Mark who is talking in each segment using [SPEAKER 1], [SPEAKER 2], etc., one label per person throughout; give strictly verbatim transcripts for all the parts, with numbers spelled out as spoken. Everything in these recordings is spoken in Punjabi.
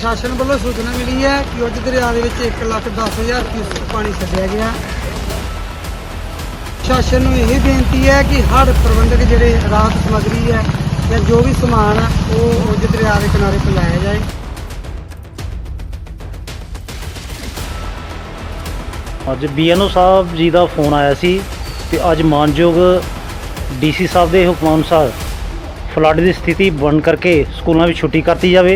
[SPEAKER 1] ਪ੍ਰਸ਼ਾਸਨ ਵੱਲੋਂ ਸੂਚਨਾ ਮਿਲੀ ਹੈ ਕਿ ਉਜ ਦਰਿਆ ਦੇ ਵਿੱਚ ਇੱਕ ਲੱਖ ਦਸ ਹਜ਼ਾਰ ਕਿਊਸੈਕ ਪਾਣੀ ਛੱਡਿਆ ਗਿਆ। ਪ੍ਰਸ਼ਾਸਨ ਨੂੰ ਇਹ ਬੇਨਤੀ ਹੈ ਕਿ ਹੜ੍ਹ ਪ੍ਰਬੰਧਕ ਜਿਹੜੇ ਰਾਹਤ ਸਮੱਗਰੀ ਹੈ ਜਾਂ ਜੋ ਵੀ ਸਮਾਨ ਹੈ ਉਹ ਉਜ ਦਰਿਆ ਦੇ ਕਿਨਾਰੇ ਤੇ ਲਾਇਆ ਜਾਏ।
[SPEAKER 2] ਅੱਜ ਬੀ ਐਨ ਓ ਸਾਹਿਬ ਜੀ ਦਾ ਫੋਨ ਆਇਆ ਸੀ ਕਿ ਅੱਜ ਮਾਨਯੋਗ ਡੀ ਸੀ ਸਾਹਿਬ ਦੇ ਹੁਕਮ ਅਨੁਸਾਰ ਫਲੱਡ ਦੀ ਸਥਿਤੀ ਬਣ ਕਰਕੇ ਸਕੂਲਾਂ ਵਿੱਚ ਛੁੱਟੀ ਕਰਤੀ ਜਾਵੇ।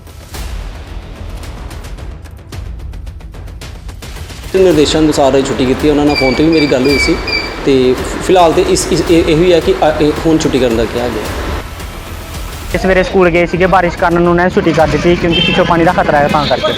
[SPEAKER 3] ਨਿਰਦੇਸ਼ਾਂ ਅਨੁਸਾਰ ਛੁੱਟੀ ਕੀਤੀ। ਉਹਨਾਂ ਨਾਲ ਫੋਨ ਤੇ ਵੀ ਮੇਰੀ ਗੱਲ ਹੋਈ ਸੀ ਤੇ ਫਿਲਹਾਲ ਤੇ ਇਸ ਇਹੋ ਹੀ ਹੈ ਕਿ ਹੁਣ ਛੁੱਟੀ ਕਰਨ ਦਾ ਕਿਹਾ ਗਿਆ।
[SPEAKER 4] ਸਵੇਰੇ ਸਕੂਲ ਗਏ ਸੀਗੇ, ਬਾਰਿਸ਼ ਕਾਰਨ ਉਹਨਾਂ ਨੇ ਛੁੱਟੀ ਕਰ ਦਿੱਤੀ ਕਿਉਂਕਿ ਪਿੱਛੋਂ ਪਾਣੀ ਦਾ ਖਤਰਾ ਹੈ, ਤਾਂ ਕਰਕੇ।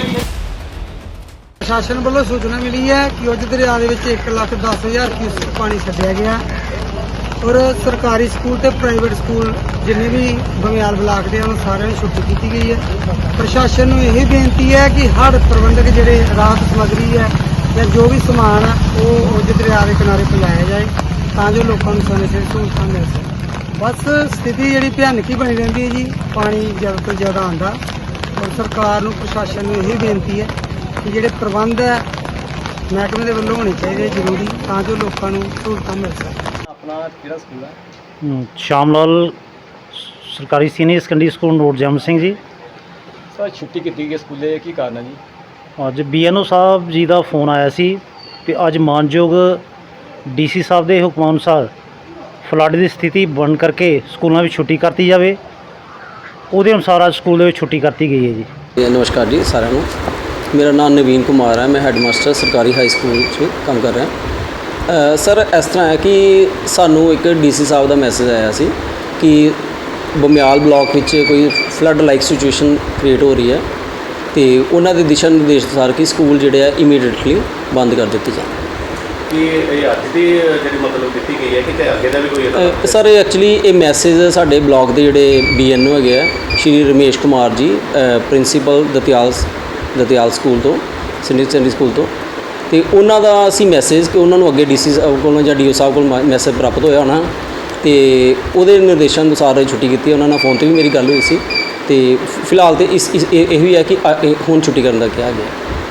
[SPEAKER 1] ਪ੍ਰਸ਼ਾਸਨ ਵੱਲੋਂ ਸੂਚਨਾ ਮਿਲੀ ਹੈ ਕਿ ਉਜ ਦਰਿਆ ਦੇ ਵਿੱਚ ਇੱਕ ਲੱਖ ਦਸ ਹਜ਼ਾਰ ਕਿਊਸੈਕ ਪਾਣੀ ਛੱਡਿਆ ਗਿਆ ਔਰ ਸਰਕਾਰੀ ਸਕੂਲ ਤੇ ਪ੍ਰਾਈਵੇਟ ਸਕੂਲ ਜਿੰਨੇ ਵੀ ਬਮਿਆਲ ਬਲਾਕ ਦੇ ਹਨ ਸਾਰਿਆਂ ਨੂੰ ਛੁੱਟੀ ਕੀਤੀ ਗਈ ਹੈ। ਪ੍ਰਸ਼ਾਸਨ ਨੂੰ ਇਹ ਬੇਨਤੀ ਹੈ ਕਿ ਹੜ੍ਹ ਪ੍ਰਬੰਧਕ ਜਿਹੜੇ ਰਾਹਤ ਸਮੱਗਰੀ ਹੈ ਜਾਂ ਜੋ ਵੀ ਸਮਾਨ ਹੈ ਉਹ ਉਜ ਦਰਿਆ ਦੇ ਕਿਨਾਰੇ ਤੇ ਲਾਇਆ ਜਾਏ ਤਾਂ ਜੋ ਲੋਕਾਂ ਨੂੰ ਸਮੇਂ ਸਿਰ ਸਹੂਲਤਾਂ ਮਿਲ ਸਕਣ। ਬਸ ਸਥਿਤੀ ਜਿਹੜੀ ਭਿਆਨਕ ਹੀ ਬਣੀ ਰਹਿੰਦੀ ਹੈ ਜੀ, ਪਾਣੀ ਜ਼ਿਆਦਾ ਤੋਂ ਜ਼ਿਆਦਾ ਆਉਂਦਾ ਔਰ ਸਰਕਾਰ ਨੂੰ ਪ੍ਰਸ਼ਾਸਨ ਨੂੰ ਇਹ ਬੇਨਤੀ ਹੈ ਕਿ ਜਿਹੜੇ ਪ੍ਰਬੰਧ ਹੈ ਮਹਿਕਮੇ ਦੇ ਵੱਲੋਂ ਹੋਣੇ ਚਾਹੀਦੇ ਜ਼ਰੂਰੀ ਤਾਂ ਜੋ ਲੋਕਾਂ ਨੂੰ ਸਹੂਲਤਾਂ ਮਿਲ ਸਕਣ।
[SPEAKER 5] ਆਪਣਾ ਕਿਹੜਾ ਸਕੂਲ ਹੈ?
[SPEAKER 2] ਹਮ, ਸ਼ਾਮ ਲਾਲ ਸਰਕਾਰੀ ਸੀਨੀਅਰ ਸੈਕੰਡਰੀ ਸਕੂਲ ਰੋਡ ਜਮ ਸਿੰਘ ਜੀ।
[SPEAKER 5] ਸਰ ਛੁੱਟੀ ਕੀਤੀ ਗਈ ਸਕੂਲੇ, ਕੀ ਕਾਰਨ ਹੈ ਜੀ?
[SPEAKER 2] ਅੱਜ ਬੀ ਐਨ ਓ ਸਾਹਿਬ ਜੀ ਦਾ ਫੋਨ ਆਇਆ ਸੀ ਕਿ ਅੱਜ ਮਾਨਯੋਗ ਡੀ ਸੀ ਸਾਹਿਬ ਦੇ ਹੁਕਮ ਅਨੁਸਾਰ ਫਲੱਡ ਦੀ ਸਥਿਤੀ ਬਣ ਕਰਕੇ ਸਕੂਲਾਂ ਵਿੱਚ ਛੁੱਟੀ ਕਰਤੀ ਜਾਵੇ। ਉਹਦੇ ਅਨੁਸਾਰ ਅੱਜ ਸਕੂਲ ਦੇ ਵਿੱਚ ਛੁੱਟੀ ਕਰਤੀ ਗਈ ਹੈ ਜੀ।
[SPEAKER 3] ਨਮਸਕਾਰ ਜੀ ਸਾਰਿਆਂ ਨੂੰ। ਮੇਰਾ ਨਾਮ ਨਵੀਨ ਕੁਮਾਰ ਹੈ, ਮੈਂ ਹੈਡਮਾਸਟਰ ਸਰਕਾਰੀ ਹਾਈ ਸਕੂਲ 'ਚ ਕੰਮ ਕਰ ਰਿਹਾ। ਸਰ ਇਸ ਤਰ੍ਹਾਂ ਹੈ ਕਿ ਸਾਨੂੰ ਇੱਕ ਡੀ ਸੀ ਸਾਹਿਬ ਦਾ ਮੈਸੇਜ ਆਇਆ ਸੀ ਕਿ ਬਮਿਆਲ ਬਲਾਕ ਵਿੱਚ ਕੋਈ ਫਲੱਡ ਲਾਈਕ ਸਿਚੁਏਸ਼ਨ ਕ੍ਰੀਏਟ ਹੋ ਰਹੀ ਹੈ ਤੇ ਉਹਨਾਂ ਦੇ ਦਿਸ਼ਾ ਨਿਰਦੇਸ਼ ਅਨੁਸਾਰ ਕਿ ਸਕੂਲ ਜਿਹੜੇ ਆ ਇਮੀਡੀਏਟਲੀ ਬੰਦ ਕਰ ਦਿੱਤੇ ਜਾਣ।
[SPEAKER 5] ਕਿ ਇਹ ਅੱਜ ਦੀ ਜਿਹੜੀ ਮਤਲਬ ਦਿੱਤੀ ਗਈ ਹੈ ਕਿ ਅੱਗੇ ਦਾ ਵੀ ਕੋਈ?
[SPEAKER 3] ਸਰ ਐਕਚੁਅਲੀ ਇਹ ਮੈਸੇਜ ਸਾਡੇ ਬਲਾਕ ਦੇ ਜਿਹੜੇ ਬੀ ਐਨ ਓ ਹੈਗੇ ਆ ਸ਼੍ਰੀ ਰਮੇਸ਼ ਕੁਮਾਰ ਜੀ, ਪ੍ਰਿੰਸੀਪਲ ਦਤਿਆਲ ਦਤਿਆਲ ਸਕੂਲ ਤੋਂ, ਸੀਨੀਅਰ ਸੈਕੰਡਰੀ ਸਕੂਲ ਤੋਂ, ਅਤੇ ਉਹਨਾਂ ਦਾ ਅਸੀਂ ਮੈਸੇਜ ਕਿ ਉਹਨਾਂ ਨੂੰ ਅੱਗੇ ਡੀ ਸੀ ਸਾਹਿਬ ਕੋਲੋਂ ਜਾਂ ਡੀ ਓ ਸਾਹਿਬ ਕੋਲ ਮੈਸੇਜ ਪ੍ਰਾਪਤ ਹੋਇਆ ਹੋਣਾ ਅਤੇ ਉਹਦੇ ਨਿਰਦੇਸ਼ਾਂ ਅਨੁਸਾਰ ਛੁੱਟੀ ਕੀਤੀ। ਉਹਨਾਂ ਨਾਲ ਫੋਨ 'ਤੇ ਵੀ ਮੇਰੀ ਗੱਲ ਹੋਈ ਸੀ ਅਤੇ ਫਿਲਹਾਲ ਤਾਂ ਇਸ ਇਹੋ ਹੀ ਹੈ ਕਿ ਹੁਣ ਛੁੱਟੀ ਕਰਨ ਦਾ ਕਿਹਾ ਗਿਆ।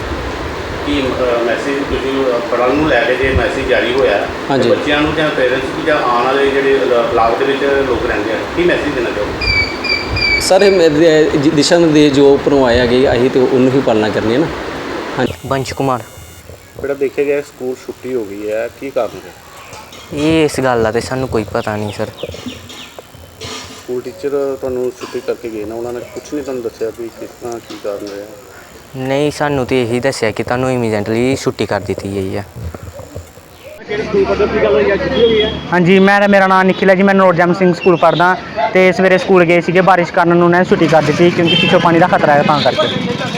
[SPEAKER 5] ਕੀ ਮੈਸੇਜ ਤੁਸੀਂ ਪੜ੍ਹਨ ਨੂੰ ਲੈ ਕੇ ਜੇ ਮੈਸੇਜ ਜਾਰੀ ਹੋਇਆ
[SPEAKER 3] ਹਾਂਜੀ,
[SPEAKER 5] ਬੱਚਿਆਂ ਨੂੰ ਜਾਂ ਪੇਰੈਂਟਸ ਨੂੰ ਜਾਂ ਆਉਣ ਵਾਲੇ ਜਿਹੜੇ ਬਲਾਕ ਦੇ ਵਿੱਚ ਲੋਕ ਰਹਿੰਦੇ ਆ, ਕੀ ਮੈਸੇਜ ਦੇਣਾ ਚਾਹੋਗੇ?
[SPEAKER 3] ਸਰ ਇਹ ਦਿਸ਼ਾ ਨਿਰਦੇਸ਼ ਜੋ ਉੱਪਰੋਂ ਆਏ ਹੈਗੇ ਅਸੀਂ ਤਾਂ ਉਹਨੂੰ ਹੀ ਪਾਲਣਾ ਕਰਨੀ ਹੈ ਨਾ। ਹਾਂਜੀ।
[SPEAKER 4] ਵੰਸ਼ ਕੁਮਾਰ।
[SPEAKER 5] ਬੇਟਾ ਦੇਖਿਆ ਗਿਆ ਸਕੂਲ ਛੁੱਟੀ ਹੋ ਗਈ ਹੈ, ਕੀ ਕਾਰਨ ਹੈ?
[SPEAKER 4] ਇਹ ਇਸ ਗੱਲ ਦਾ ਤੇ ਸਾਨੂੰ ਕੋਈ ਪਤਾ ਨਹੀਂ ਸਰ।
[SPEAKER 5] ਸਕੂਲ ਟੀਚਰ ਤੁਹਾਨੂੰ ਛੁੱਟੀ ਕਰਕੇ ਗਏ ਨਾ, ਉਹਨਾਂ ਨੇ ਕੁਝ ਨਹੀਂ ਤੁਹਾਨੂੰ ਦੱਸਿਆ ਵੀ ਕਿਸ ਤਰ੍ਹਾਂ ਕੀ ਕਾਰਨ ਰਿਹਾ?
[SPEAKER 4] ਨਹੀਂ, ਸਾਨੂੰ ਤੇ ਇਹੀ ਦੱਸਿਆ ਕਿ ਤੁਹਾਨੂੰ ਇਮੀਡੀਏਟਲੀ ਛੁੱਟੀ ਕਰ ਦਿੱਤੀ ਗਈ ਹੈ।
[SPEAKER 5] ਕਿਹੜੇ ਸਕੂਲ ਪੜ੍ਹਦੇ ਕੀ ਗੱਲ ਹੋਈ ਹੈ, ਛੁੱਟੀ ਹੋ ਗਈ ਹੈ?
[SPEAKER 4] ਹਾਂਜੀ, ਮੈਂ ਮੇਰਾ ਨਾਮ ਨਿਖਿਲ ਹੈ ਜੀ, ਮੈਂ ਰੋਡ ਜਮ ਸਿੰਘ ਸਕੂਲ ਪੜ੍ਹਦਾ ਅਤੇ ਸਵੇਰੇ ਸਕੂਲ ਗਏ ਸੀਗੇ, ਬਾਰਿਸ਼ ਕਾਰਨ ਉਹਨਾਂ ਨੇ ਛੁੱਟੀ ਕਰ ਦਿੱਤੀ ਕਿਉਂਕਿ ਪਿੱਛੋਂ ਪਾਣੀ ਦਾ ਖਤਰਾ ਹੈ, ਤਾਂ ਕਰਕੇ।